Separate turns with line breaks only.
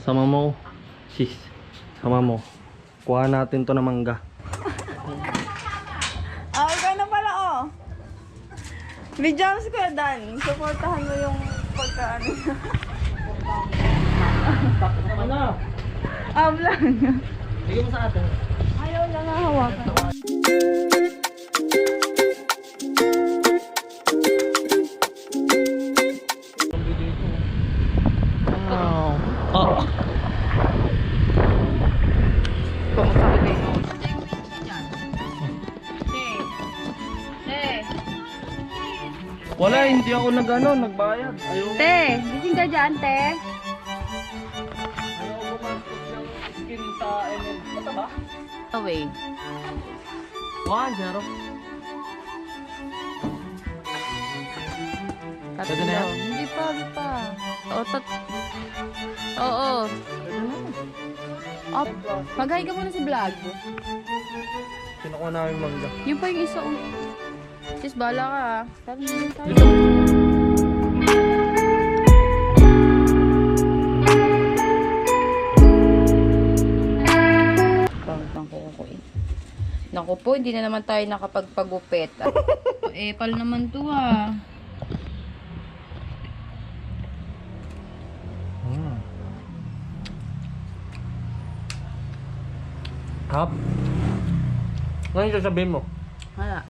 Sama mo, sis. Sama mo. Kuha natin to na mangga.
Ah, ikaw na pala, oh. Videos ko Dan. Supportahan mo yung pagkaano.
Ano?
Vlog.
Bigyan mo sa atin.
Ayaw lang nga hawakan.
Wow. Oh. Wala, hindi ako nagbayad. Ayaw.
Te, gising ka dyan, te.
Ayaw gumastos ng skin sa ML. Basta ba?
Away.
1-0. Pwede na yan?
Hindi pa. Oo. Oh, mag-hi ka muna sa vlog.
Kinukuha namin mangga.
Yun pa yung isa, oh. Sis, bala ka, ha. Sabi niyo tayo. Pangitang kaya ko, eh. Naku po, hindi na naman tayo nakapagpagupit. Pal naman to, ah.
Hap. Ngayon sasabihin mo?
Hala.